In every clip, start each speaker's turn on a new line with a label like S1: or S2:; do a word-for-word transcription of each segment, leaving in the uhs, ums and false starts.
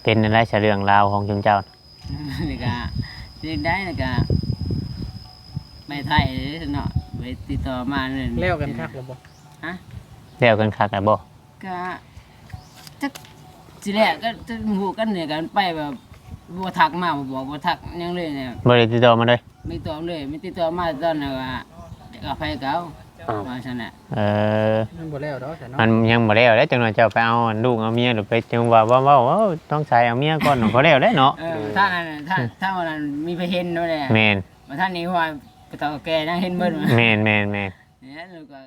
S1: เป็นอะไรเฉเรื่องราวของจุงเจ้า
S2: นี่ก็เรียกได้นี่ก็ไปไทยเนาะไปติดต่อมาเลย
S3: เลี้ยวกันคักหรือบ่
S2: ฮะ
S1: แล้วกันคักแล้วบ่
S2: ก็จักสิแรกก็จะหูกันเนี่ยกันไปแบบบ่ทักมาบ่บอกบ่ทักหยังเลยเนี่ย
S1: บ่ได้ติดต่อมาเลย
S2: ไม่ตอบเลยไม่ติดต่อมาตอนนั้นว่าจะเอาไปเก่าว่าซั่นน่ะ
S1: เออ
S3: มันบ่แล้วดอกแต่เนาะ
S1: มันยังบ่แล้วเด้จังหน่อยเจ้าไปเอาลูกเอาเมียหรือไปจังว่าว่าเว้าเว้าต้องใช้เอาเมียก่อนบ่แล้วได้เนาะ
S2: เออถ้าอันนั้นถ้าถ้าวันนั้นมีไปเห็นเนาะแหละ
S1: แม่น
S2: ว่าท่านนี้ว่าก็ต้องแกนั่งเห็นเบิ่น
S1: แม่นแม่นแม่น
S2: เนี่ยแล้วก็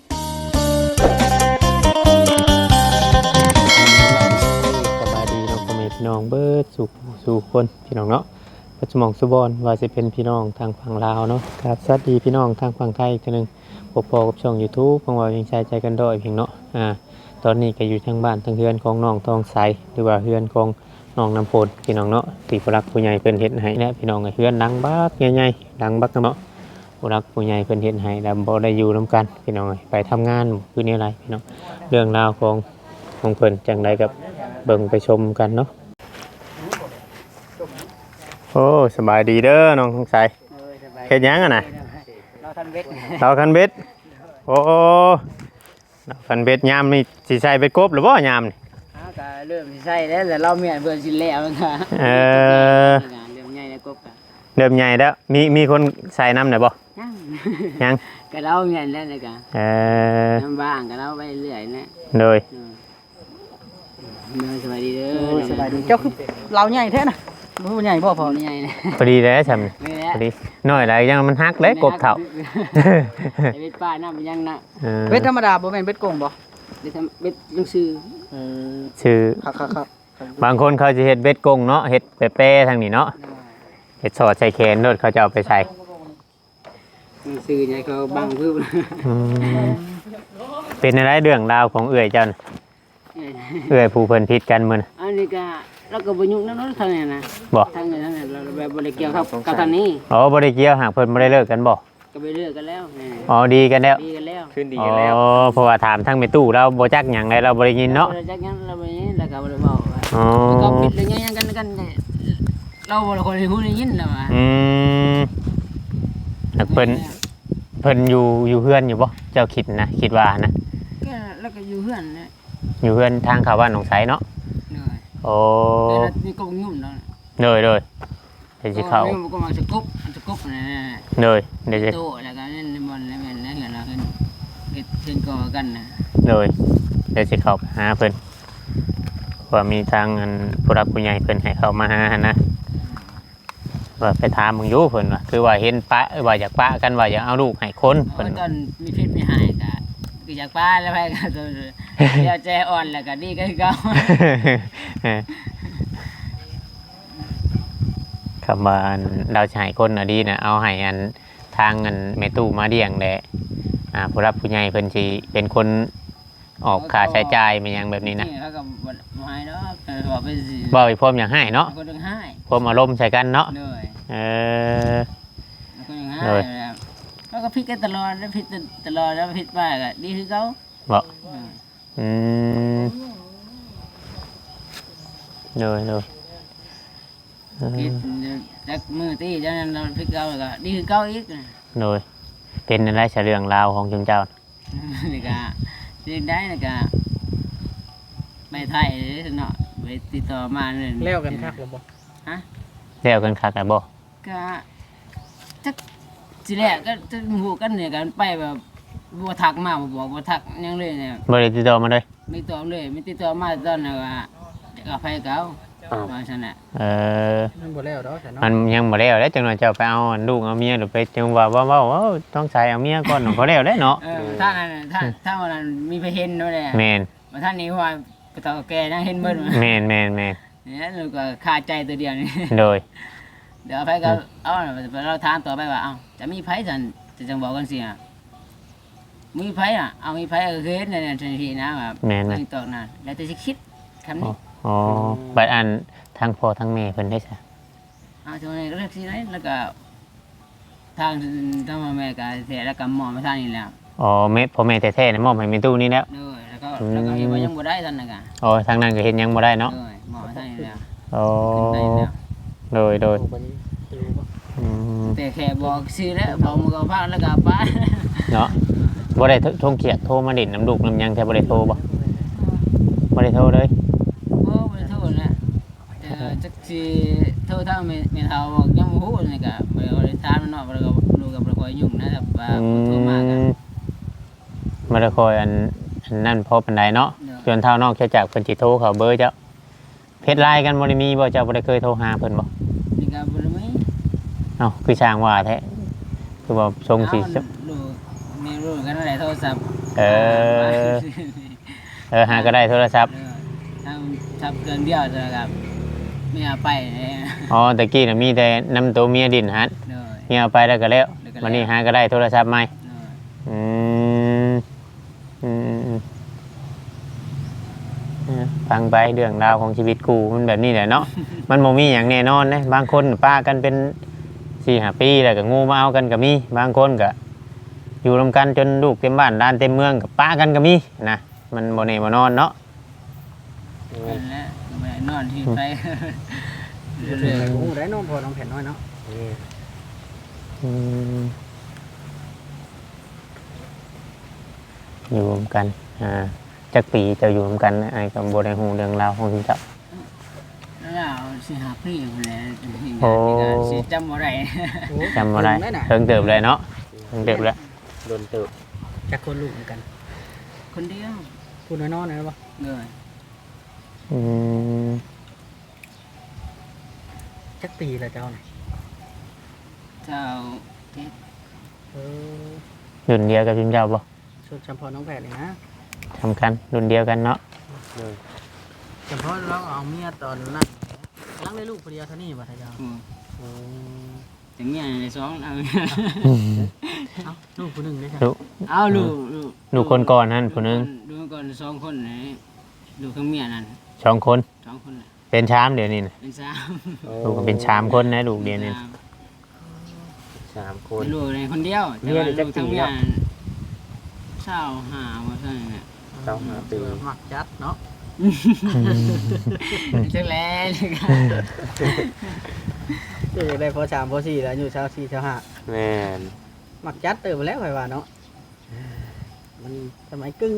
S1: สบายดีเนาะพ่อแม่พี่น้องเบิดสู่สู่คนพี่น้องเนาะปัจจุบันสุบอนว่าจะเป็นพี่น้องทางฝั่งลาวเนาะครับสวัสดีพี่น้องทางฝั่งไทยอีกทีนึงพบพอกับช่อง YouTube ของเรายังใช้ใจกันด้อยเพียงเนาะอ่าตอนนี้ก็อยู่ทางบ้านทางเฮือนของน้องทองใสหรือว่าเฮือนของน้องน้ำพลพี่น้องเนาะที่ผู้รักผู้ใหญ่เพิ่นเฮ็ดให้และพี่น้องก็เฮือนดังบักใหญ่ๆดังบักเนาะผู้รักผู้ใหญ่เพิ่นเฮ็ดให้แล้วบ่ได้อยู่นํกันพี่น้องไปทำงานคือนี่อะไรพี่น้องเรื่องราวของของเพิ่นจังไดกับเบิ่งไปชมกันเนาะโอ้สบายดีเด้อน้องทองใสเฮ็ดหยังอ่ะน่ะ
S2: เราทันเวท
S1: เราคันเบ็ดโอ้เราคันเบ็ดยามนี่สิใส่เบ็ดกบหรือบ่ยามนี่
S2: อ้าวก็เริ่มสิใช่แล้วแต่เราเมียนเบิ่นสิแล้วมันก็
S1: เออ
S2: เริ่มใหญ่ในกบก็
S1: เริ่มใหญ่แล้วมีมีคนใส่น้ำหน่อยบ่
S2: ยัง
S1: ยัง
S2: ก็เราเมียนแล้วนี่ก็
S1: เออ
S2: น้ำบ้างก็เราไปเรื่อยนะ
S1: โดย
S2: เออเด้อสวัสดีเด้อ
S3: สบายดีเจ้าคือเราใหญ่แท้น่ะบ่ใหญ่บ่พ
S2: พ
S3: อ
S2: อ
S3: นี่
S2: ใหญ่นะ
S1: พอดีเลยฉัน
S2: นี่แหละ
S1: พอดีน้อยไรยังมันฮักเลยกบเถ่า
S2: ไอ้เวทป้าน้ำมันยังนะ
S1: เออ
S3: เบ็ดธรรมดาบ่แม่นเบ็ดโกงบ่
S2: เวททำเวทยังซื้อ
S3: เออ
S1: ชื่อ
S3: ครับๆ
S1: บางคนเขาจะเฮ็ดเบ็ดกงเนาะเฮ็ดเป๊ะๆทางนี้เนาะเฮ็ดสอดใส่แขนโดดเขาจะเอาไปใส่
S2: ยังซื้อเนี่ยเขาบังเพิ่ม
S1: อืมเป็นอะไรเรื่องราวของเอื้อยเจันเอื้อยผู้เพิ่นพิษกันมื้อน่ะ
S2: อันนี้ก็เราก็บ่ยุ่งนำนั้นทางนี้นะ
S1: บ่
S2: ทางนี้ทางนี้เราแบบบ่ได้เกี่ยวกับกับทางนี้
S1: อ๋อบ่ได้เกี่ยวหากเพิ่นบ่ได้เลิกกันบ่
S2: ก็ไปเลิกกันแล้วนี่
S1: อ๋อดีกันแล้ว
S2: ดีกันแล้ว
S3: ขึ้นดี
S1: อ๋
S3: กันแล้ว
S1: อเพราะว่าถามทั้งแม่ตู้เราบ่จักหยังเลยเราบ่ได้ยินเนาะ
S2: เราจักงั้นเราไปนี้แล้วก็บ่ได้เว้า
S1: อ๋อ
S2: แล้วก็ปิดเลยยังกันกันเราบ่ได้คนที่ฮู้ได้ยินแล้วว่า
S1: อืมแล้วเพิ่นเพิ่นอยู่อยู่เฮือนอยู่บ่เจ้าคิดนะคิดว่านะ
S2: ก็แล้วก็อยู่เฮือนนะ
S1: อยู่เฮือนทางเข้าบ้านหนองไสเนาะ
S2: เหนื่อย
S1: โอ้
S2: แล้วมีกงยุ่มเนาะ
S1: เด้อเด้อเดี๋ยวสิเข้า
S2: ก็มาจะกบจะกบนั่น
S1: เด้อเดี๋ยวสิ
S2: โตแล้วก็นั่นบอลแล้วแม่นแล้วเห็นเราเห็นเฮ็ดเพิ่นก่อกันนะ
S1: เด้อเดี๋ยวสิเข้าไปหาเพิ่นว่ามีทางอันผู้รับผู้ใหญ่เพิ่นให้เข้ามาหาหั่นนะว่าไปถามมึงอยู่เพิ่นว่าคือว่าเห็นปะว่าอยากปะกันว่าอยากเอาลูกให้คน
S2: เพ
S1: เพิ่น
S2: ราะตอนมีเพชรมีหายก็คือจากป้าแล้วไปก็ตัวเดี๋ยวใจอ่อนแล้วก็ดีก็คือเก่า
S1: คำว่าอันเราจะให้คนอะดีนะเอาให้อันทางอันแม่ตู้มาเลี้ยงแหละอ่าผู้รับผู้ใหญ่เพิ่นสิเป็นคนออกค่าใช้จ่ายมันหยังแบบนี้นะ
S2: เขาก็บ่บ่ให้ดอกก็บอกไปสิ
S1: บ่อีพร้อมอย่างให้เนาะ
S2: คนนึงให้
S1: พร้อมอารมณ์ใส่กันเนาะ
S2: เลย
S1: เออ
S2: คนนึงให้
S1: เลย
S2: แล้วก็พิดกันตลอดแล้วพิดตลอดแล้วพิดป้าก็ดีคือเก่า
S1: บ่
S2: เออ
S1: อืมเลยเลยเอ
S2: พิด
S1: อ
S2: จักมือตีจังนั้นเราพิดเก่าแล้วก็ดีคือเก่าอีก
S1: เลยเป็นอะไรเฉเรื่องราวของจุงเจ้า
S2: นี่ก็เรียนได้นี่ก็ไปไทยเนาะไปติดต่อมาเลย
S3: เลี้ยวกันคักหรือบ่
S2: ฮะ
S1: แล้วกันคักอะบ่
S2: ก็จักสิแรกก็จะหูกันเนี่ยกันไปแบบบ่ทักมาบ่บอกบ่ทักหยังเลยเนี่ย
S1: บ่ได้ติดต่อมาเลย
S2: ไม่ตอบเลยไม่ติดต่อมาตอนนั้นว่าจะเอาไปเก่าว่าซั่นน่ะ
S1: เออ
S3: มันบ่แล้วดอกแต่เนาะ
S1: มันยังบ่แล้วเด้จังหน่อยเจ้าไปเอาอันลูกเอาเมียหรือไปจังว่าว่าว่าว่าต้องใช้เอาเมียก่อนบ่แล้วเด้เนาะ
S2: เออถ้านั้นน่ะถ้าถ้าวันนั้นมีไปเห็นเนาะแหละ
S1: แม่น
S2: ว่าท่านนี้ว่าก็ต้องแกนั่งเห็นเบิ่น
S1: แม่นแม่นแม่น
S2: เนี่ยแล้วก็คาใจตัวเดียวนี่
S1: โดย
S2: เดี๋ยวเอาไปก็เอาน่ะเราถามต่อไปว่าเอ้าจะมีไผซั่นจะจังบอกกันสิอ่ะมีไผอ่ะเอามีไผก็คือเฮ็ดในทันทีนะแบบ
S1: แม่น
S2: ไม่
S1: นะ
S2: ตอกนะแล้วแต่สิคิดคำนี้
S1: อ๋อบัดอันทั้งพ่อทั้งแม่เพิ่นได้ซะ
S2: เอาจังได๋ก็เลือกสิได้แล้วก็ทางทางแม่ก็เสียแล้วก็หมอมาทางนี้แล้ว
S1: อ๋อแม่พ่อแม่แท้ๆน่ะมอบให้แม่ตู้นี่แล้ว
S2: เด้อแล้วก็แล้วก็เฮ็ดว่ายังบ่ได้ซั่นน่ะก็
S1: อ๋อทางนั้นก็เฮ็ดหยังบ่ได้เนาะ
S2: เด้อหมอมาทางนี้แล้ว
S1: โอ้
S2: ขึ้นได้แล้ว
S1: โดยโดย
S3: โอ้วันนี้รู้บ่
S1: อืม
S2: แต่แค่บอกชื่อแล้วบอกมึงก็พักแล้วก็ไป
S1: เนาะบ่ได้โทรเกียดโทรมาดินน้ำลูกน้ำหยังแต่บ่ได้โทรบ่บ่ได้โทรเลย
S2: โอ้ไปโทษนะแต่จักสิโทษถ้าไม่ไม่เท่าบอกยังบ่ฮู้นี่ก็บ่ได้ถามมันเนาะบ่ได้ก็รู้กับบ่ค่อยยุ่งนะแต่ว่า
S1: อื
S2: โทรมากัน
S1: มบ่ได้คอยอันอันนั่นพอปานใดเนาะ
S2: เนาะ
S1: จนเท่านอกแค่จากเพิ่นสิโทรเข้าเบอร์เจ้าเพจไลน์กันบ่ได้มีบ่เจ้าบ่ได้เคยโทรหาเพิ่นบ่
S2: นี่ก็บ่ได้มี
S1: เอ้าคือช่างว่าแท้คือว่าทรงสิ
S2: เอาลูกแม่รู้กันนั่นแหละโทรศัพท์
S1: เออ เออหาก็ได้โทรศัพท์
S2: เออทำทับเกินเดียวจะครับไม่เอาไปเลย
S1: อ๋อตะกี้น่ะมีแต่นำตัวเมียดินหัด
S2: เลย
S1: เมียเอาไปแล้วก็แล้ววันนี้หาก็ได้โทรศัพท์ใหม่
S2: เลย
S1: อืมอืมอืมอืมเออฟังไปเรื่องราวของชีวิตกูมันแบบนี้แหละเนาะ มันโมมีอย่างแน่นอนนะบางคนป้ากันเป็นสี่ห้าปีแล้วก็งูมาเอากันก็มีบางคนก็อยู่รวมกันจนลูกเต็มบ้านด้านเต็มเมืองกับป้ากันก็มีนะมันโมเน่โมนอนเนาะ
S2: นั่นแหละไม่ได้นอนที่ไป
S3: เรื่
S2: เรื่
S3: อ
S2: อย
S3: งโอ้ได้น้องพอน้องแผ่นน้อยเนาะ
S1: อืมอยู่รวมกันอ่าจักปีจะอยู่รวมกันไอ้กับโบได้หูเรื่องราวของที่เจ้า
S2: ๆแล้วเราสิหาพี่คนแล้ว
S1: โอ้
S2: สิจำอะไร
S3: โอ้
S1: จำอะไร
S3: ได้น่ะ
S1: เพิ่งเติบเลยเนาะเพิ่งเติบแล้ว
S3: โดนเติบจักคนลูกเหมือนกัน
S2: คนเดียว
S3: พูดน้อยๆหน่อยบ่
S2: เลย
S1: อืม
S3: จักปีละเจ้าน่ะ
S2: เจ้าเจ็ด
S3: เออ
S1: รุ่นเดียวกับจิมเจ้าบ่
S3: ชุดจำพอน้องแผ่นเลยนะ
S1: สำคัญรุ่นเดียวกันเนาะ
S3: จำพอเราเอาเมียตอนนั้นกำลังได้ลูกคนเดียวเท่านี้บ่ท่าเจ้า
S2: อืม
S3: โอ้
S2: ถึงอย่างในสองเอา
S3: เอ้าลูกคนหนึ่งได้จ้ะ
S1: ลูก
S2: เอาลูกลูก
S1: ลูกคนก่อนนั่นผู้หนึง
S2: ดูก่อนสองคนไหนดูข้างเมียนั่น
S1: สองคน
S2: สองคนน่ะ
S1: เป็นชามเดี๋ยวนี้นะ
S2: เป็นสาม
S1: ลูกก็เป็นชามคนนะลูกเดียวนี่
S3: สามค
S2: เป็น นลูกในคนเดียวแต่ว่าลูกทั้งเมียเศร้าหาว่าใช่เนี่ย
S3: เจ้าหาปีหมักจัดเนาะ
S2: จังแล้วจัง
S3: เจะได้พอสามพอสี่แล้วอยู่เช้าสี่เช้าห้า
S4: แม่น
S3: หมักจัดเติมไปแล้วไปว่าเนาะมันสมัยกึ่ง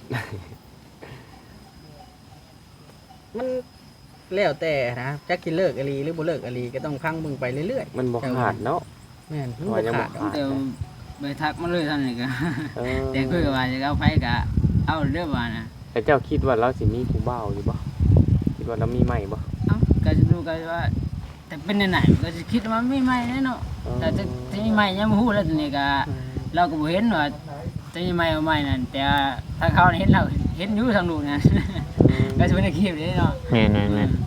S3: มันแล้วแต่นะจักกินเลิกอลีหรือบ่เลิกอลีก็ต้องพังเบิ่งไปเรื่อย
S4: มันบ่ขาดเนาะ
S3: ๆแม่นมัน
S4: ว่า
S3: บ่
S4: ยังบ่
S3: ขาดดอก
S4: ขาด
S2: เดี๋ยวไปทักมาเลยท่านนี่ก็
S4: เออ
S2: แต่คุยกับว่าจะเอาไปกะเอาเรื่องว่านะ
S4: แต่เจ้าคิดว่าเราสิมีผู้บ่าวอยู่บ่คิดว่าเรามีใหม่บ่
S2: เอ้าก็จะดูกันว่า แต่เป็นไหนๆก็จะคิดว่าไม่ไม่แน่เนาะแต่จะจะมีใหม่ยังบ่ฮู้แล้วทีนี้ก็เราก็บ่เห็นว่าจะมีใหม่บ่ใหม่นั่นแต่ถ้าเขาเห็นเราเห็นอยู่ทางนู้นนั่น ก็จะเป็นคลิปนี้เนาะ
S1: แม่นแม่นแม่น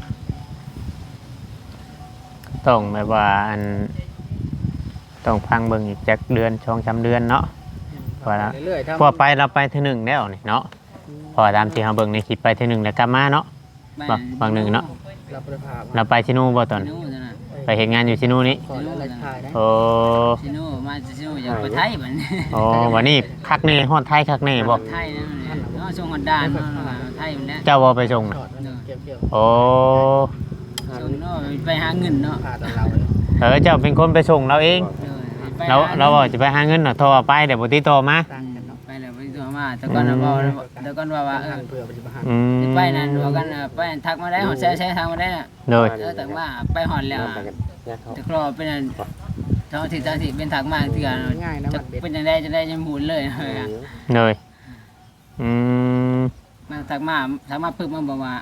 S1: ต้องแบบว่าอันต้องพังเบิ่งอีกจักเดือนช่องจำเดือนเนาะ พอละ
S3: เรื่อยๆถ้า
S1: พอไปเราไปเทีหนึ่งแล้วนี่เนาะพอตามที่เราเบิ่งในคลิปไปเทีหนึ่งแล้วกลับมาเนาะ บางบางหนึ่งเนาะ
S3: เราประพาพ
S1: เราไปชิโนูบ่ตอน
S2: ชิโน่จ้ะนะ
S1: ไปเห็นงานอยู่ชิโนูนี่
S3: ขอแล้วเราถ่ายได้
S1: โอ้
S2: ชิโน่มาจากชิโน่อยากไปไทยบัดนี้
S1: โอ้วันนี้คักแน่ฮอดไทยคักแน่บ่
S2: ไทยนั่นแหละเนาะส่งกันดานเนาะไทยมันแหละ
S1: เจ้าบ่ไปส่ง
S3: ถอดมันเกี่ยว
S1: โอ้
S2: ส่งเนาะไปหาเงินเนาะ
S3: ๆพาตอนเราเลย
S1: เออเจ้าเป็นคนไปส่งเราเอง
S2: เออไป
S1: เรา
S2: ห
S1: เราบอกจะไปหาเงินเนาะโทรไปเดี๋ยวบ่ติดต่อมา
S3: ต่างกันเนาะ
S2: ไปแล้วไปตัวมาแต่ก่อนน่ะบอกแต่ก่อนว่าว่าเออ
S3: ทางเพื่อปฏิบัติ
S1: อืม
S2: ไปนั่นบอกกันน่ะไปทักมาได้หอดแซ่ๆทางมาได้น่ะ
S1: เลย
S2: เออแต่ว่าไปหอดแล้ว
S4: มา
S2: อะ
S4: ไปกันญาติเขา
S2: แต่ครอเป็นอันท้องที่ท้องที่เป็นทักมาเถื่อน
S3: ง่ายนะ
S2: จะ
S3: มันเบ็ด
S2: เป็นจังได๋จะได้ยังหมุนเลยเฮ้ยอะ
S1: เลยอืม
S2: มาทักมาทักมาปึ๊บมันบอกว่า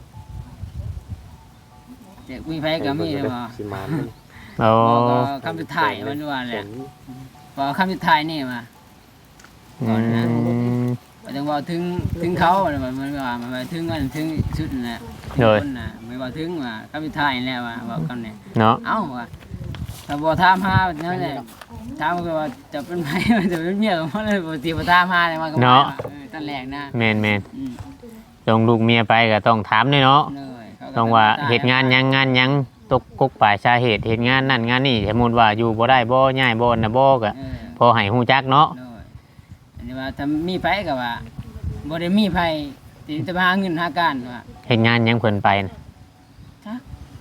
S2: จะมีไผก็มีนะบ่
S4: สิมา
S1: โอ้
S2: บอกก็คำสุดท้ายมันว่าแหละพอคำสุดท้ายนี่มา
S1: อืม
S2: มันจะบอกถึงถึงเขามันมันว่ามันว่าถึงมันถึงชุดนั่นแหละถึง
S1: เลย
S2: คนน่ะไม่ว่าถึงว่าคำสุดท้ายนี่แหละว่าบอกกันเนี่ย
S1: เนาะ
S2: เอ้าว่าถ้าบ่ถามหานั่นแหละถามก็ว่าจะเป็นไผจะเป็นเมียของมันเลยบ่สิบ่ถามหาเลยมันก็บ่ว่าเออตอนแรกนะ
S1: แม่นแม่น
S2: อืม
S1: ลงลูกเมียไปก็ต้องถามด้วยเนาะ
S2: เลยเขก็
S1: ต้องว่าเหตุงานหยังงานหยังตกกกป่ายสาเหตุเหตุงานนั่นงานนี่สมมุติว่าอยู่บ่ได้บ่ย้ายบ่น่ะบ่ก็
S2: เออ
S1: พอให้ฮู้จักเนาะ
S2: เลยอันนี้ว่าถ้ามีไผก็ว่าบ่ได้มีไผที่จะมาหาเงินหาการว่า
S1: เหตุงานหยังเพิ่นไปน่ะ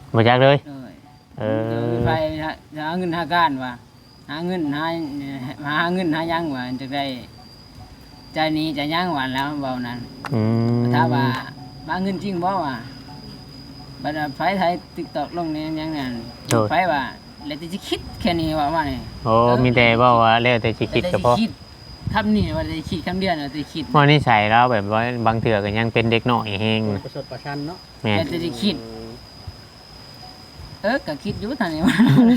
S1: บ่จักเลย
S2: เลย
S1: เอ
S2: เดี๋ยว
S1: อ
S2: มีไปหาหาเงินหาการว่าหาเงินหาหาเงินหายังว่าจะได้ใจนี้ใจยังหวานแล้วเบานั้น
S1: อืม
S2: ถ้าว่ามาเงินจริงบ่ว่าบัดไฟไทย TikTok ลงในยังนั่นไฟว่าแล้วจะคิดแค่นี้ว่าว่านี่
S1: โอ้มีแต่เว้าว่าแล้วแต่สิคิดก็พอ
S2: คำนี้ว่าจะคิดคำเดียวน่ะจะคิด
S1: ว่านิสัยเราแบบว่าบางเทื่อก็ยังเป็นเด็กน้อยแฮง
S3: ประสดประชันเนาะ
S1: แม่น
S2: แต่จะคิด เออก็คิดอยู่ทางนี้ว่า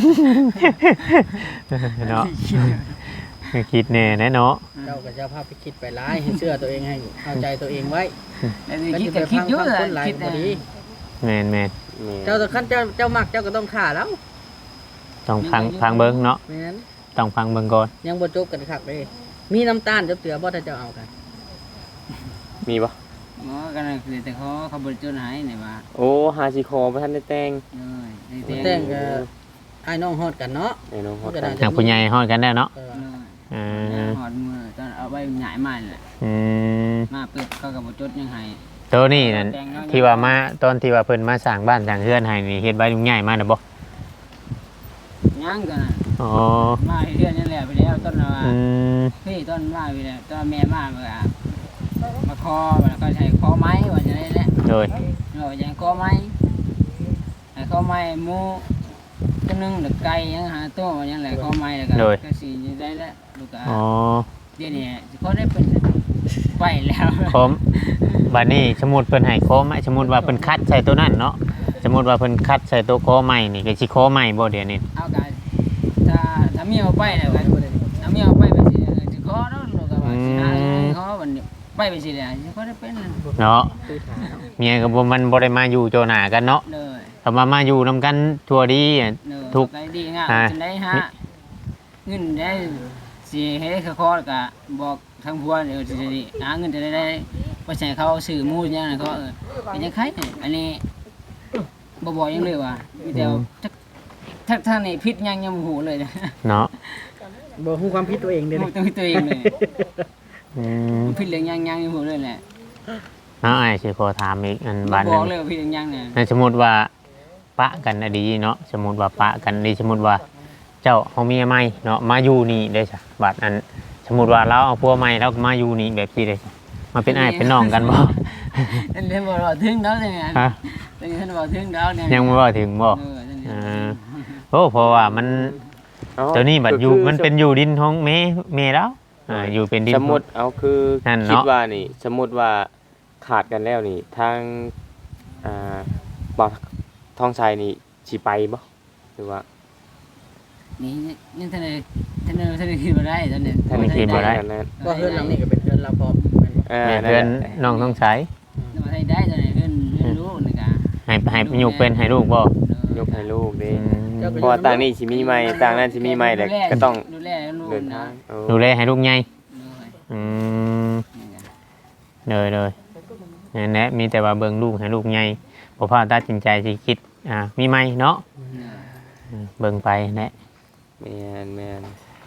S1: เนาะคิดแน่แน่เนาะ
S3: เจ้าก็จะพาไปคิดไปร้ายให้เชื่อตัวเองให้เข้าใจตัวเองไว้
S2: แต่
S3: ก็
S2: คิด
S3: จะ
S2: ก็
S3: ไป
S2: คิด
S3: พัง
S2: อยู่
S3: พัง
S2: แหละ
S3: คนหลาย
S2: คิด
S3: พอดี
S1: แม่นแม่น
S4: แม่
S3: เจ้าตัวขั้นเจ้าเจ้ามักเจ้าก็ต้องฆ่าแล้ว
S1: ต้องฟังฟังเบิ่งเนาะ
S3: แม่น
S1: ต้องฟังเบิ่งก่อน
S3: ยังบ่จบกันคักเลยมีน้ำตาลจับเตือบ่ถ้าเจ้าเอากัน
S4: มีบ่
S2: หมอกันนั่นคือแต่เขาเขาบริจาคให้นี่ว่า
S4: โอ้หาสิคอบ่ทันได้แต่ง
S2: เลยได้
S3: แต่
S2: แต่
S3: งก็ไอ้น้องฮอดกันเนาะ
S4: ไอ้น้องฮอด
S3: ก็
S4: กั
S3: ได้
S4: น
S1: ทางผู้ใหญ่ฮอดกันได้เนาะ
S3: เออ
S2: เลย
S1: เออ
S2: หอดมือตอนเอาไว้ใหญ่มาแหละ
S1: อืม
S2: มาเปิดเขากับบริจาคยังให้
S1: ตัวนี้นั่นที่ว่ามาตอนที่ว่าเพิ่นมาสร้างบ้านสร้างเรือนให้นี่เฮ็ดไว้ยุ่งใหญ่มากนะบ่
S2: ย่างกันน่ะ
S1: อ๋อ
S2: มาเรื่อยนี่แหละไปแล้วต้นว่า
S1: อืม
S2: พี่ต้นมาไปแล้วต้นแม่มาเมื่อมาคอแล้วก็ใช้คอไม้ว่าจะได้แหละ
S1: โดย
S2: เราจะคอไม้ไอ้คอไม้หมูตัวนึงหรือไก่ยังหาตัวยังแหละคอไม้แล้วก็ก็สีได้แล้วลูกก็
S1: อ๋อ
S2: เดี๋ยวนี้เขาได้เป็นไปแล้ว
S1: คมบัดนี้สมมุติเพิ่นให้โคมสมมุติว่าเพิ่นคัดใส่ตัวนั้นเนาะสมมุติว่าเพิ่นคัดใส่ตัวโคใหม่นี่ก็สิโคใหม่บ่เดี๋ยวนี้
S2: เอากันถ้าถ้ามีเอาไปแล้วกันถ้ามีเอาไปไปสิจะขอเนาะลูกก็ว่าสิหาขอวันนี้ไปไปสิแล้วจะขอได้เป็น
S1: เนาะ
S3: คือถาม
S1: เมียก็บ่มันบ่ได้มาอยู่โจหน้ากันเนาะ
S2: เลย
S1: ถ้ามามาอยู่นํกันทั่วดีอะ
S2: เลย
S1: ทุก
S2: ไปดีงาม
S1: อ่า
S2: จนได้ฮะเงินได้สิให้เขาขอก็บอกทางพัวเดี๋ยวสิได้หาเงินจะได้ได้ไปใช้เขาซื้อหมูอย่างนั้นเขาเออเป็นยังไงอันนี้บ่บอกยังเลยว่ามีแต่ถ้าถ้าในพิษยังยังหูเลยนะ
S1: เนาะ
S3: บ่ฮู้ความผิดตัวเองเด้อ
S2: หูตัวตัวเองเลย
S1: อืม
S2: พิษเรื่องยังยังยังหูเลยแหละ
S1: เนาะอ้ายสิขอถามอีกอัน
S2: บ่
S1: บาด
S2: บ
S1: นึ
S2: อก
S1: ง
S2: เลยว่าพิษเรื่องยังเนี่ย
S1: ในสมมุติว่าปะกันน่ะดีเนาะสมมุติว่าปะกันดีสมมุติว่าเจ้าเฮาเมียใหม่เนาะมาอยู่นี่ได้ซะบาดอันสมมุติว่าเราเอาผัวใหม่แล้วก็มาอยู่นี่แบบนี้ได้ซะมาเป็นอ้ายเป็นน้องกันบ่
S2: อันนี้บอกว่าถึงแล้วเนี่ย
S1: ฮะ
S2: ตอนนี้ท่านบอกถึงแล้วเนี่ย
S1: ยังบ่ว่าถึงบ่
S2: เออตอนนี้
S1: อ่าโอ้เพราะว่ามัน
S4: เอ้า
S1: ตัวนี้บัดอยู่
S4: ก็คือ
S1: มันเป็นอยู่ดินของแม่แม่แล้วอ่าอยู่เป็นดิน
S4: สมมุติเอาคือ
S1: นั่นเนาะ
S4: คิดว่านี่สมมุติว่าขาดกันแล้วนี่ทางอ่าบ่าวทองชัยนี่สิไปบ่หรือว่า
S2: นี่นี่ท่านเลยท่านเลยท่านเลยคิดมาได้ตอนนี้
S1: ท่านเลยคิดบ่ได้
S4: นั่นนั่น
S3: ว่าเฮือนหลังนี้ก็เป็นเฮือนเราพร้อมแม่นบ่
S4: เออ
S1: แม่
S4: นั่น
S1: เพื่อน
S4: แหละ
S1: น้องต้องใช้
S2: มาได้ได้ตอนนี้เพื่อนเพื่อนรู้นะกะ
S1: ให้ให้อยู่เป็นให้ลูกบ่
S4: ยกให้ลูกเด้
S1: อืม
S4: เพราะว่าต่างนี่สิมีใหม่ต่างนั้นสิมีใหม่แต่ก็ต้อง
S2: ดูแลลูก
S4: เดิน
S2: นะ
S4: ทางโอ้
S1: ดูแลให้ลูกใหญ่
S2: ด้วย
S1: อืมเลยเลยนั่นแหละมีแต่ว่าเบิ่งลูกให้ลูกใหญ่บ่พาตัดสินใจสิคิดอ่ามีไหมเนาะอืมเบิ่งไปแหละ
S4: แม่นแม่น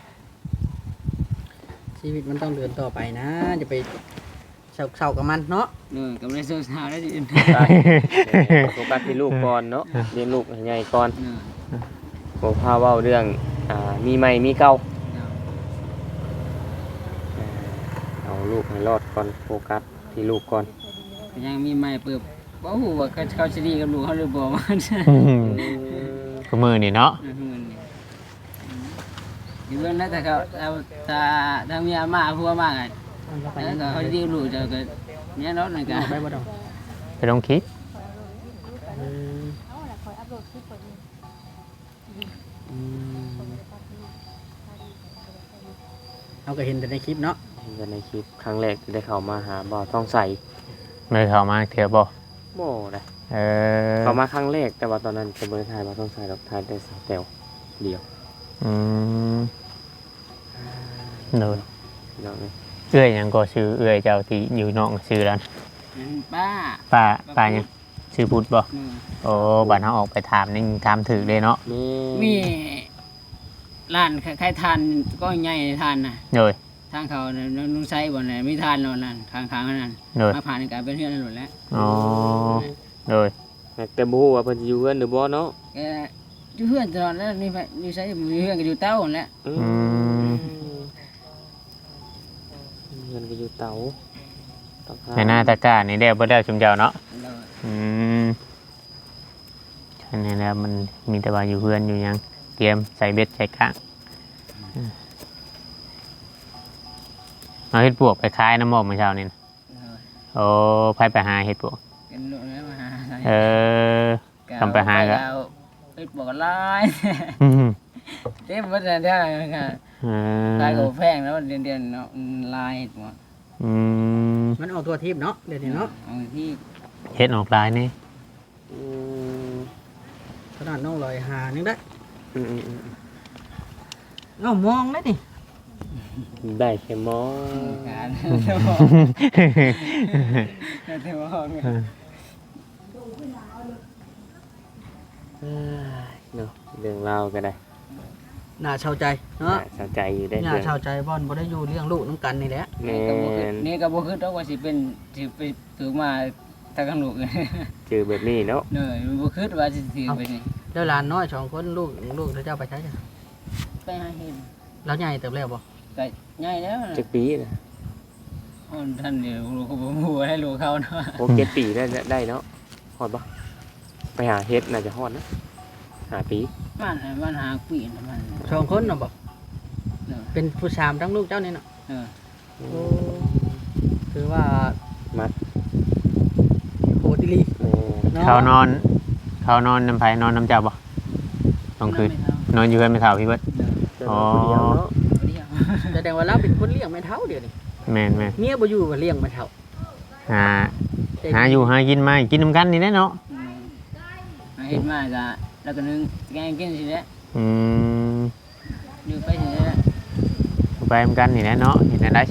S3: ชีวิตมันต้องเดินต่อไปนะจะไปเศร้าๆกับมันเนาะ
S2: ด้วยกับเรื่องสาวได้ดี
S4: ไปโฟกัสที่ลูกก่อนเนาะเลี้ยงลูกให้ใหญ่ก่อนบ่พาเว้าเรื่องอ่ามีใหม่มีเก่าเอาลูกให้รอดก่อนโฟกัสที่ลูกก่อน
S2: ยังมีไม่เปิดบ่ฮู้ว่าเขาจะดีกับลูกเขาหรือบ่มัน
S1: ก็มือนี่เนาะ
S2: อยู่เรื่องนั้นแต่เขาเอาตาทางเมียมาพัวมาไง
S3: มันก็ไป
S2: แล้วก็เขาดีลูกจะก็เนี่ยรถนั่นก็
S3: ไปบ่ดอก
S1: ไปลองคิด
S3: เอออืมเอาก็เห็นแต่ในคลิปเนาะ
S4: เห็นในคลิปครั้งแรกที่ได้เข้ามาหาบ่าวท้องใส
S1: ไม่เข้ามาเถื่อบ่
S4: บ่ได้
S1: เออ
S4: เข้ามาครั้งแรกแต่ว่าตอนนั้นจะบ่ได้ถ่ายบ่าวท้องใสดอกถ่ายแต่สาวแต๋วเดียว
S1: อืมโดน
S4: พี่น้องเอ้ย
S1: เอื้อยหยังก็ชื่อเอื้อยเจ้าที่อยู่นอกชื่อแล้ว
S2: ป้า
S1: ป้าป้าหยังชื่อพุทธบ่
S2: อืม
S1: โอ้บัดเฮาออกไปถามนี่ถามถึกเลยเนาะ
S4: แม่
S2: มีร้านใครทานก็ใหญ่ทานนะ
S1: โดย
S2: ทางเขาลุงไซบ่อนไหนไม่ทานนอนนั่นข้างๆนั่น
S1: โดย
S2: มาผ่านการเป็นเพื่อนนั่นหมดแล้ว
S1: อ๋อโดย
S4: แต่บ่ฮู้ว่าเพิ่นสิอยู่เฮือนหรือบ่เนาะ
S2: แกอยู่เพื่อนตลอดแล้วนี่ไปอยู่ใช้อยู่เพื่อนก็อยู่เต้าหั่นแหละ
S4: อื
S1: อืม
S4: เฮือนก็อยู่เตาเตาถ่
S1: ในหน้าตะกร้านี่ได้บ่ได้ชุมเจ้าเนาะ
S2: โดย
S1: อืมอันนี้แล้วมันมีแต่ว่าอยู่เพื่อนอยู่หยังเตรียมใส่เบ็ดใส่ข้างเอาเฮ็ดปวกไปขายน้ำหมอกเมื่อเช้านี่นะ
S2: โดย
S1: โอ้ไผไปหาเฮ็ดปวก
S2: เป็นลูกแล้วมาหา
S1: เออ ทำไปหาก็
S2: ไปบอกลาย
S1: อืม
S2: เต็มหมดเลยเด้อค่ะ
S1: เอ
S2: ลาย
S1: อ
S2: ก็แพงแล้วเดือนๆเนาะลายหมด
S1: อืม
S3: มันออกตัวทิพย์เนาะเดี๋ยวนี้เนาะ
S2: เอาที่
S1: เฮ็ดออกลายนี่
S4: อืม
S3: ขนาดน้องลอยหานึงได้
S4: อืมอืมอืม
S3: เอ้ามองได้นี่
S4: ได้แค่หมอ
S2: การเทมองเทมอง
S4: เอ้ยเนาะเรื่องราวก็ได้
S3: น่าเชาใจเนาะ
S4: น่าสนใจอยู่ได้
S3: น่า
S4: เรื่อง
S3: เชาใจบ่อนบ่ได้อยู่เลี้ยงลูกน้ำกันนี่แหละ
S4: แม่
S2: นี่ก็บ่คือน นี่ก็บ่คือต้องว่าสิเป็นสิไปถือมาทางข้างลูก
S4: เจอแบบนี้เนาะ
S2: เนยบ่คือว่าสิถือไปนี่
S3: แล้วหลานน้อยสองคนลูกลูกเจ้าไปใช้จ้ะ
S2: ไปหาเห็น
S3: แล้วใหญ่เติบแล้วบ่
S2: ก็ใหญ่แล้ว
S4: จักปีนะ
S2: คนท่านเดียวลูกก็บ่ฮู้ให้ลูกเขาเนาะ
S4: โอเจ็ดปีได้ได้เนาะฮอดปะไปหาเฮ็ดน่าจะฮอดนะหาปี
S2: มันมันหาปีนมัน
S3: สองคนน่ะบ่
S2: เนอะ
S3: เป็นผู้ชามทั้งลูกเจ้านี่เนาะ
S2: เออ
S3: โอ้คือว่า
S4: มัด
S3: โหดิลี
S4: แม่
S3: เนาะ
S1: เขานอน เขานอนน้ำไผนอนน้ำเจ้าบ่ต้องคืนนอนอยู่เพื่อนไม่เท่าพี่เบิด
S4: เจอคนเดียวเนาะ
S2: เดียว
S3: แสดงว่าเราเป็นคนเลี้ยงแม่เฒ่าเดี๋ยวนี้
S1: แม่นแม่น
S3: เมียบ่อยู่ก็เลี้ยงแม่เฒ่า
S1: หาหาอยู่หากินมากินน้ำกันนี่แหละเนาะ
S2: อืมหาเห็นมาก็แล้วก็นึงแกงกินสิแหละ
S1: อืม
S2: อยู่ไปสิแหละ
S1: ไปน้ำกันนี่แหละเนาะเห็นได้ใช่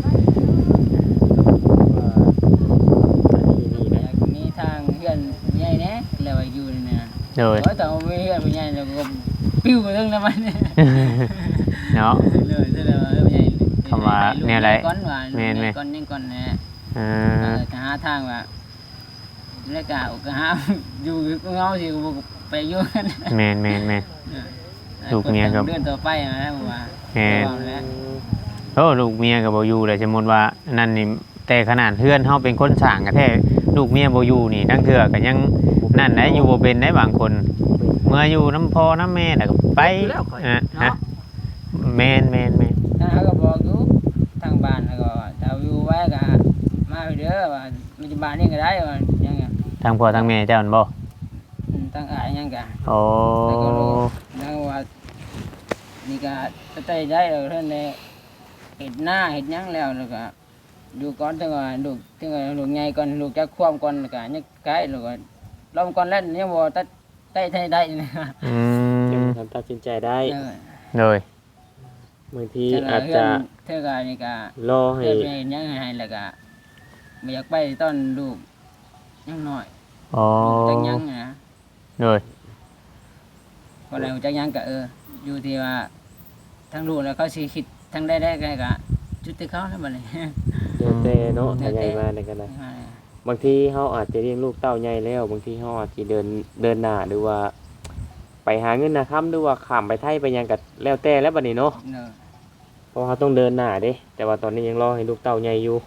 S4: ว่าอันนี้นี่
S2: อ
S4: นะ
S2: ยากมีทางเพื่อนผู้ใหญ่แหน่แล้วว่าอยู่นี่นะ
S1: โดย
S2: โอ้ยแต่ว่ามีเพื่อนผู้ใหญ่แล้วก็ปิ้วไปทั้งนั้นมัน
S1: เนาะ
S2: เลยแสดงว่าผู้ใหญ่
S1: คำว่าเนี่ยอะไร
S2: ก่อนว่า
S1: แม่นไหม
S2: ก่อนยังก่อนนะ
S1: เอ
S2: เอ
S1: อ
S2: อจะหาทางว่าแล้วก็เอาก็หา อยู่ก็เงาสิก็บ่ไปอยู่กัน
S1: แม่นแม่นแม่น ลูกเมียครับ
S2: เดือนต่อไปนะผมว่า
S1: แม่น
S2: ระวังแล้ว
S1: โอ้ลูกเมียกับบ่อยู่เลยสมมุติว่านั่นนี่แต่ขนาดเพื่อนเฮาเป็นคนสร้างกะแท้ลูกเมียบ่อยู่นี่ทั้งเทื่อก็ยังนั่นได้อยู่บ่เป็นได้บางคน เมื่ออยู่น้ำพ่อน้ำแม่แล้วก็ไป
S3: อยู่แล้วข่อย
S1: อ่ะ
S3: เนาะ
S1: ฮะแม่นแม่นแม่น
S2: ถ้าเขาก็บอกอยู่ทางบ้านแล้วก็ถ้าอยู่ไว้ก็มาเด้อว่ามันจะบ้านนี่ก็ได้ว่ายังไง
S1: ทางพ่อทางแม่เจ้านั่นบ่
S2: อืมตั้งอายยังก็
S1: โอ้
S2: แล้วก็รู้แล้วว่านี่ก็จะได้ได้แล้วเท่านี้เห็ดหน้าเห็ดหยังแล้วแล้วก็ดูก่อนถึงว่าลูกถึงว่าลูกใหญ่ก่อนลูกจะควมก่อนแล้วก็ยังไกลแล้วก็ลองก่อนแล้วยังบ่ตัดได้ได้ได้นะ
S1: อื
S4: ยัง
S1: ม
S4: ทำตัดสินใจได้
S2: เออ
S1: โดย
S4: บางที
S2: แต่ละ
S4: อาจ
S2: เพื่
S4: จะ
S2: อนเท่ากับนี่ก็
S4: รอให้
S2: เพื่อนไปเห็นยังให้แล้วก็ไม่อยากไปตอนลูกยังน้อย
S1: โอ้
S2: ลูกจังยังนะ
S1: โดย
S2: พอแล้วจังยังก็เอออยู่ที่ว่าทั้งลูกแล้วเขาสิคิดทั้งได้ได้ก็ก็จุดที่เขาแล้วบัดนี้
S4: เดี๋ยวแต่เนาะ
S2: เดี๋
S4: ถ้า
S2: ยว
S4: ให
S2: แต่
S4: ญ่มาในกันนะบางทีเฮาอาจจะเลี้ยงลูกเต้าใหญ่แล้วบางทีเฮาอาจจะเดินเดินหน้าหรือว่า ไปหาเงินนะค้ำหรือว่าข้ามไปไทยไปหยังก็แล้วแต่แล้วบัดนี้เนาะ
S2: เนอะ
S4: เพราะเขาต้องเดินหน้าเด้ แต่ว่าตอนนี้ยังรอให้ลูกเต้าใหญ่อยู่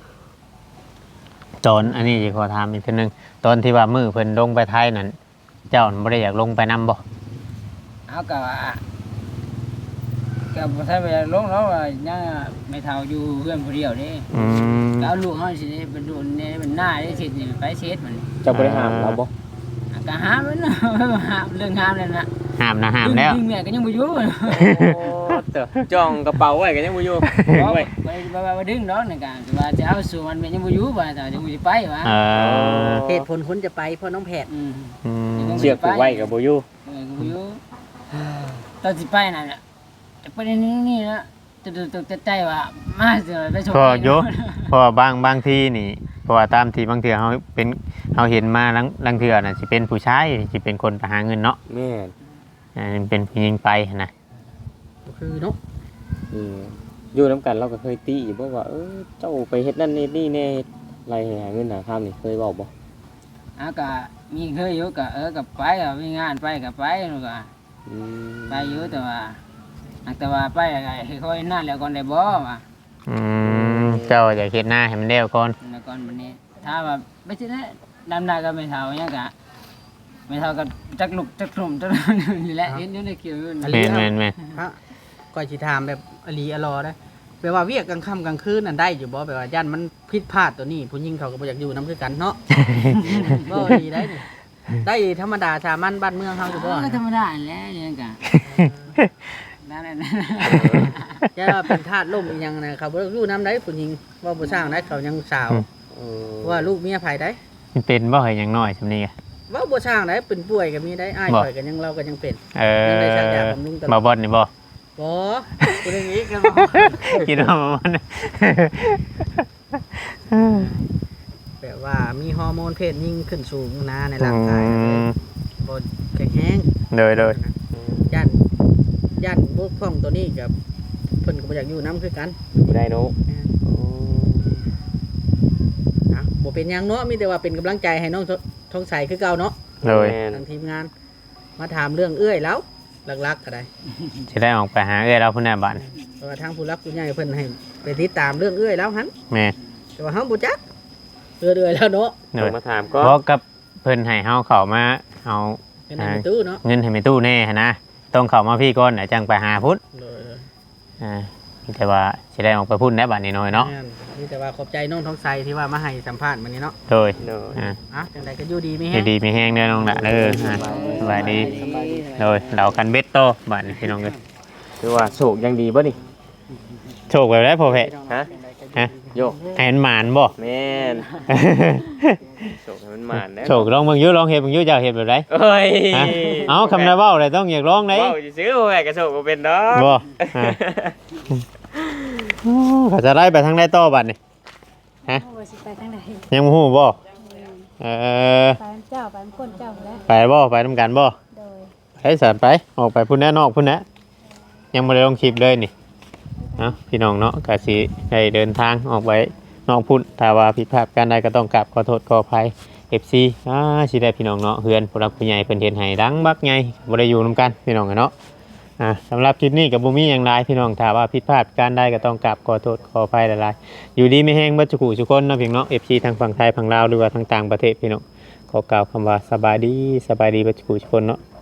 S1: ตอนอันนี้สิขอถามอีกทีหนึงตอนที่ว่ามือเพิ่นลงไปไทยนั่นเจ้าบ่ได้อยากลงไปนํบ่
S2: เอาก็ว่าก็บ่ทันไปลงแล้วว่ายังไม่เท่าอยู่เพื่อนผู้เดียวเด้
S1: อืม
S2: ก็เอาลูกเฮาสิได้เป็นลูกนี่เป็นหน้าได้สินี่ไปเช็ดมันนี่
S4: เจะบริหารเราบ่
S2: อ่ะก็ห้ามมันนะ ห้ามเรื่องห้ามนั่นน่ะ
S1: ห้ามนะห้ามแล้ว
S2: ดึงๆเนี่ยก็ยังบ่อยู่
S4: โอ้เตอะจ้องกระเป๋าไว้ก็ยังบ่อยู่
S2: บ่
S4: ไว้
S2: ไปไปไปดึงดอกนี่ก็คือว่าจะเอาสู่มันเป็นยังบ่อยู่ว่าแต่ยังบ่สิไปว่า
S1: เออ
S3: เหตุผลคนจะไปเพราะน้องแพทย์
S2: อืม
S1: อืม
S4: เชือกผูกไว้ก็บ่อยู่
S2: เออก็บ่อยู่ตอนสิไปนั่นน่ะจะไปนี่นี่นะจะตกใจว่ามาสิได้ชม
S1: พอโยเพราะว่าบางบางทีนี่เพราะว่าตามที่บางเทื่อเฮาเป็นเฮาเห็นมาลังลังเทื่อน่ะสิเป็นผู้ชายสิเป็นคนไปหาเงินเนาะ
S4: แม่น
S1: อ่าเป็นผู้หญิงไปนะ
S3: ก็คือเนาะ
S4: อืมอยู่นํกันเราก็เคยตีบ่ว่าเออเจ้าไปเฮ็ดนั่นเฮ็ดนี่แน่เฮ็ดไรให้หาเงินหาค่ำนี่เคยเว้าบ่
S2: อ่ะก็มีเคยอยู่ก็เออก็ไปก็มีงานไปก็ไปนู่นก็
S4: อืม
S2: ไปอยู่แต่ว่าอักแต่ว่าไปก็ให้ค่อยนั่นแล้วก่อนได้บ่ว่า
S1: อืมเจ้าอยากเฮ็ดหน้าให้มันเร็วก่อน
S2: แล้วก่อนวันนี้ถ้าว่าไม่ใช่นะดำนาก็ไม่เท่าหยังกะไม่เท่ากับจักลุกจักกลุ่มจักนี่แหละเห็นอยู่ในคิวอยู่
S3: อั
S2: นี่
S3: น
S1: แม่
S3: นี้
S1: นแม่นแม่น
S3: พระก่อยสิถามแบบอลีอลอได้แปลว่าเวียกกลางค่ำกลางคืนนั่นได้อยู่บ่แปลว่าย่านมันผิดพลาดตัวนี้ผู้หญิงเขาก็บ่อยากอยู่นํคือกันเนาะ บ่ดีได้นี่ได้ธรรมดาสามัญบ้านเมืองเฮาอยู่บ่
S2: ก็ธรรมดาแหล้วนี่กะนั่นแหละนั่น
S3: อย่าเป็นทาสล่มอีหยังนะเขาบ่อยู่นํได้ผู้หญิงว่าบ่สร้างได้เขายังสาว
S4: เออ
S3: ว่าลูกเมียไผได้
S1: มันเป็นบ่เฮ้ยยังน้อยซำนี้อะ
S3: ว่าบ่สร้างได้เป็นป่วยก็มีได้อ้าย
S1: บ่
S3: ข่อยก็ยังเราก็ยังเป็น
S1: เอ
S3: ยังได้
S1: อ
S3: ชักยาบำรุงตลอด
S1: บ่บ่นนี่บ่
S3: บ่ผู้อย่างนี้กันบ่
S1: คิดว่าบ่บ่น
S3: แบบว่ามีฮอร์โมนเพศยิ่งขึ้นสูงนะใน
S1: อื
S3: ร่างกายนะ
S1: ม
S3: บ่แข็งแรง
S1: โดยโดย
S3: ย่านย่านบกพร่องตัวนี้กับเพิ่นก็บ่อยากอยู่นํคือกัน
S4: บ่ได้เนาะ
S3: นะบ่เป็นหยังเนาะมีแต่ว่าเป็นกำลังใจให้น้องทองใสคือเก่าเนาะ
S1: โดย
S4: แม่น
S3: ทางทีมงาน มาถามเรื่องเอื้อยแล้วหลักๆก็ได้
S1: สิได้ออกไปหาเอ้ยเราพุ่นน่ะบัดนี้
S3: เพราะว่าทางผู้รักผู้ใหญ่เพิ่นให้ไปติดตามเรื่องเอื้อยแล้วหัน
S1: แม่
S3: แต่ว่าเฮาบ่จักเอื้อยเอื้อยแล้วเนาะ
S1: โด
S4: ต้อย งมาถามก็
S1: บ่กับเพิ่นให้เฮาเข้ามาเอา
S3: เป็นในตู้เนาะ
S1: เงินให้แม่ตู้แน่หันนะต้องเข้ามาพี่ก่อนน่ะจังไปหาพุ่น
S3: โดย
S1: อ่ามีแต่ว่าสิได้ออกไปพุ่นได้บัดนี้น้อยเนาะ
S3: แม่มีแต่ว่าขอบใจน้องทองใสที่ว่ามาให้สัมภาษณ์มื้อนี้เนาะ
S1: โดย
S4: เนาะ
S1: อ่า
S3: อ่ะจังไดก็อยู่ดีมี
S1: อ
S3: แฮ
S1: ยู่
S3: ง
S1: ดีมีแห้งเด้อน้องละเด้ออ่าสบายดี
S3: สบายดี
S1: โดยเรากันเบ็ดโตบัดนี้พี่น้องเอ้ย
S4: คือว่าโศกยังดีบ่นี่
S1: โชคแบบได้พอเพะ
S4: ฮะ
S1: ฮะ
S4: โยก
S1: ให้มันหมานบ่
S4: แม่นโศกให้มันหมานนะ
S1: โชคลองเบิ่งอยู่ลองเฮ็ดเบิ่งอยู่เจ้าเฮ็ดแบบได
S4: เอ้ย
S1: ฮะเอาคำนาเว้าเลยต้องอยากลองได้
S4: เว้าซื้อๆบ่แม่ก็โศกบ่เป็นดอก
S1: บ่ฮะโอ้เขาจะไล่ไปทางใดต่อบัดนี้
S5: โอ้ยสิไปทางไหน
S1: ยังบ่ฮู้บ่เออ
S5: ไปเจ้าไปคนเจ้าแล้ว
S1: ไปบ่ไปนํกันบ่
S5: โดย
S1: ไปสันไปออกไปพุ่นแน่นอกพุ่นแน่ยังบ่ได้ลงคลิปเลยนี่เนาะพี่น้องเนาะก็สิได้เดินทางออกไปนอกพุ่นถ้าว่าผิดพลาดการใดก็ต้องกราบขอโทษขออภัย เอฟ ซี อ่าสิได้พี่น้องเนาะเฮือนผู้รักผู้ใหญ่เพิ่นเฮ็ดให้ดังบักใหญ่บ่ได้อยู่นํกันพี่น้องอะเนาะอ่าสำหรับคลิปนี้ก็บ่มีหยังหลายพี่น้องถ้าว่าผิดพลาดการใดก็ต้องกราบขอโทษขออภัยหลายๆอยู่ดีมีแฮงเบิดทุกผู้ทุกคนเนาะพี่น้องเนาะ เอฟ ซี ทางฝั่งไทยฝั่งลาวหรือว่าทางต่างประเทศพี่น้องขอกล่าวคำว่าสบายดีสบายดีเบิดทุกผู้ทุกคนเนาะ